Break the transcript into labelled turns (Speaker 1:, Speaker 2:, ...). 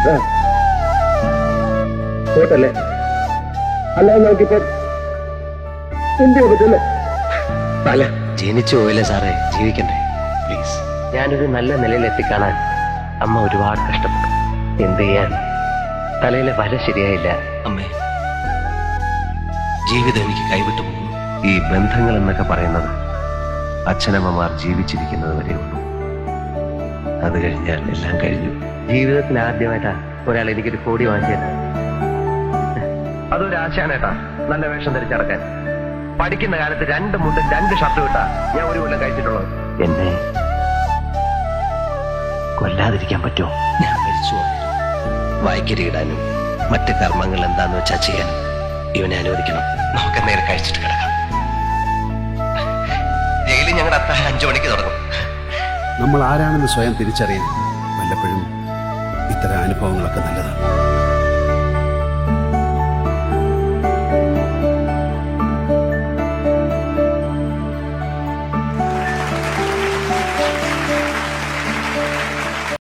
Speaker 1: പോട്ടല്ലേ, അല്ലാതെ നമുക്കിപ്പോ എന്ത് പറ്റല്ലേ?
Speaker 2: അല്ല, ജനിച്ചു പോയില്ലേ സാറേ, ജീവിക്കണ്ടേ? പ്ലീസ്. ഞാനൊരു നല്ല നിലയിൽ എത്തിക്കാണാൻ അമ്മ ഒരുപാട് കഷ്ടപ്പെട്ടു. എന്ത് ചെയ്യാൻ, തലയിലെ വര ശരിയായില്ല. അമ്മേ, ജീവിതം എനിക്ക് കൈവിട്ടു പോകുന്നു. ഈ ബന്ധങ്ങൾ എന്നൊക്കെ പറയുന്നത് അച്ഛനമ്മമാർ ജീവിച്ചിരിക്കുന്നത് വരെ ഉള്ളൂ. അത് കഴിഞ്ഞാൽ എല്ലാം കഴിഞ്ഞു. ജീവിതത്തിൽ ആദ്യമായിട്ടാ ഒരാൾ എനിക്കൊരു കോടി വാങ്ങിയത്. അതൊരു ആശാനേട്ടാ, നല്ല വേഷം ധരിച്ചടക്കാൻ. പഠിക്കുന്ന കാലത്ത് 2 മുണ്ടും 2 ഷർട്ടും ഇട്ടാ ഞാൻ ഒരു കൊല്ലം കഴിച്ചിട്ടുള്ളത്. എന്നെ കൊല്ലാതിരിക്കാൻ പറ്റുമോ? ഞാൻ മരിച്ചു. വായിക്കരിയിടാനും മറ്റ് കർമ്മങ്ങൾ എന്താന്ന് വെച്ചാ ചെയ്യാൻ ഇവനെ അനുവദിക്കണം. നമുക്ക് നേരെ കഴിച്ചിട്ട് കിടക്കാം. ജയിലിൽ ഞങ്ങളുടെ അത്താഴം 5 മണിക്ക് തുടങ്ങും.
Speaker 3: നമ്മൾ ആരാണെന്ന് സ്വയം തിരിച്ചറിയാൻ വല്ലപ്പോഴും ഇത്തരം അനുഭവങ്ങളൊക്കെ നല്ലതാണ്.